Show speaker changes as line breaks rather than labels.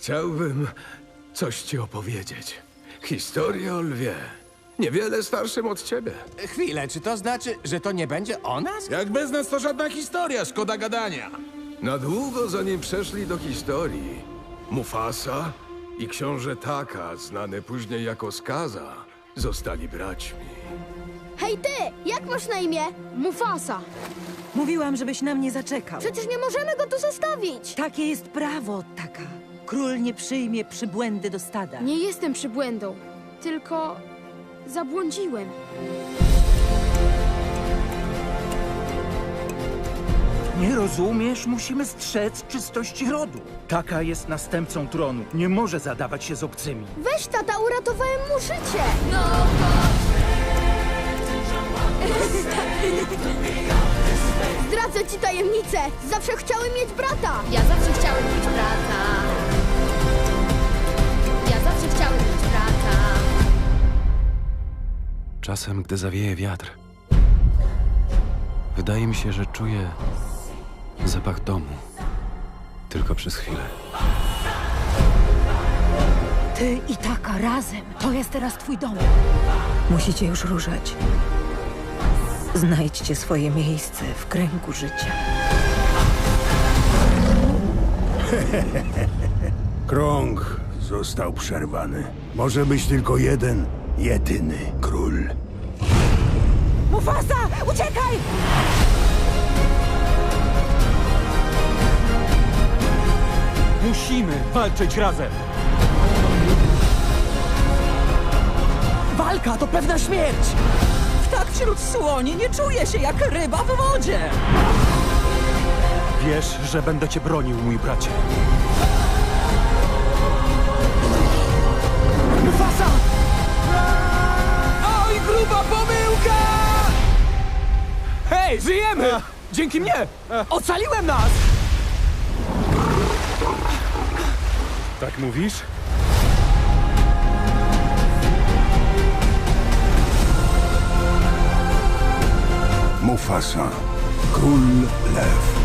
Chciałbym coś ci opowiedzieć. Historię o lwie. Niewiele starszym od ciebie.
Chwilę, czy to znaczy, że to nie będzie o nas?
Jak bez nas to żadna historia, szkoda gadania.
Na długo zanim przeszli do historii, Mufasa i książę Taka, znany później jako Skaza, zostali braćmi.
Hej ty, jak masz na imię?
Mufasa.
Mówiłam, żebyś na mnie zaczekał.
Przecież nie możemy go tu zostawić.
Takie jest prawo, Taka. Król nie przyjmie przybłędy do stada.
Nie jestem przybłędą, tylko zabłądziłem.
Nie rozumiesz? Musimy strzec czystości rodu. Taka jest następcą tronu. Nie może zadawać się z obcymi.
Weź tata, uratowałem mu życie. Zdradzę ci tajemnicę. Zawsze chciałem mieć brata.
Ja zawsze chciałem mieć brata. Ja zawsze chciałem mieć brata.
Czasem, gdy zawieje wiatr, wydaje mi się, że czuję zapach domu. Tylko przez chwilę.
Ty i Taka razem. To jest teraz twój dom. Musicie już ruszać. Znajdźcie swoje miejsce w kręgu życia.
Krąg został przerwany. Może być tylko jeden, jedyny król.
Mufasa! Uciekaj!
Musimy walczyć razem. Walka to pewna śmierć.
Tak wśród słoni nie czuję się jak ryba w wodzie.
Wiesz, że będę cię bronił, mój bracie. Mufasa! Oj, gruba pomyłka! Hej, żyjemy! Dzięki mnie! Ocaliłem nas!
Tak mówisz?
Mufasa, król lew.